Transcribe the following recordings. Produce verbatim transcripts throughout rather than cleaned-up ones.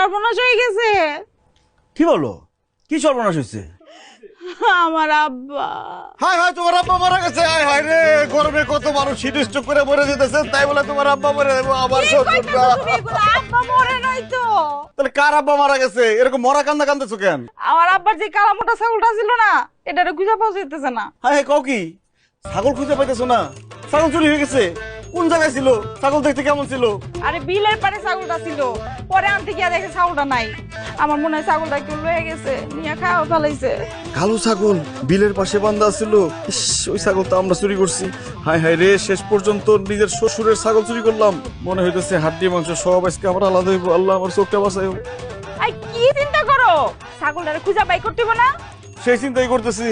সর্বনাশ হয়ে গেছে। কি বলো? কি সর্বনাশ হয়েছে? আমার আব্বা। হাই হাই, তোমার আব্বা মারা গেছে। হাই হাই রে, গরমে কত মানুষ শীত স্ট্রোক করে মরে যেতেছে, তাই বলে তোমার আব্বা মরে যাবো? আমার শ্বশুরটা। আব্বা মরে নাই তো। তাহলে কার আব্বা মারা গেছে? এরকম মরা কান্দা কান্দেছো কেন? আমার আব্বার যে কালা মোটা ছাগলটা ছিল না, এটারে খুঁজে পাওয়া যেতেছে না। হাই হাই, কও কি? ছাগল খুঁজে পাইতেছো না? ছাগল চুরি হয়ে গেছে? কোন জায়গায় ছিল? ছাগল দেখতে কেমন ছিল? আরে বিলের পারে ছাগলটা ছিল, পরে আনতে গিয়ে দেখে ছাগলটা নাই। আমার মনে হয় ছাগলটা একটু লয়ে গেছে, নিয়ে খাওয়া ফেলাইছে। কালো ছাগল বিলের পাশে বান্ধা ছিল। ইস, ওই ছাগল তো আমরা চুরি করছি। হাই হাই রে, শেষ পর্যন্ত নিজের শ্বশুরের ছাগল চুরি করলাম। মনে হইতেছে হাড্ডি মাংস সব আজকে আমার আলাদা হইব। আল্লাহ আমার চোখটা বাঁচাইও। আই কি চিন্তা করো, ছাগলটারে খুঁজে বাই করতে হবে না? সেই চিন্তাই করতেছি।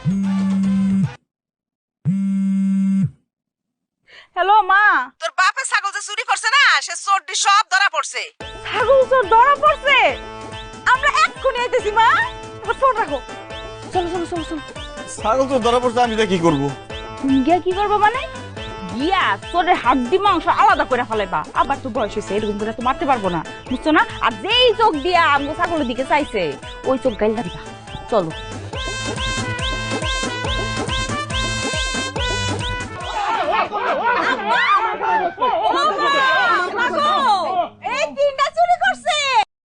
হ্যালো মা। তোর বাপে ছাগল যে চুরি করছে না, সে চোরটি সব ধরা পড়ছে। ছাগল চোর ধরা পড়ছে? আমরা এক্ষুনি আইতেছি মা, এবার ফোন রাখো। চলো চলো চলো চলো। ছাগল তো ধরা পড়ছে, আমি কি করবো? তুমি গিয়া কি করবো মানে? গিয়া চোরের হাড্ডি মাংস আলাদা করে ফেলাইবা। আবার তো বয়স হয়েছে, এরকম করে তো মারতে পারবো না, বুঝছো না? আর যেই চোখ দিয়া আমগো ছাগলের দিকে চাইছে, ওই চোখ গাইল দিবা। চলো।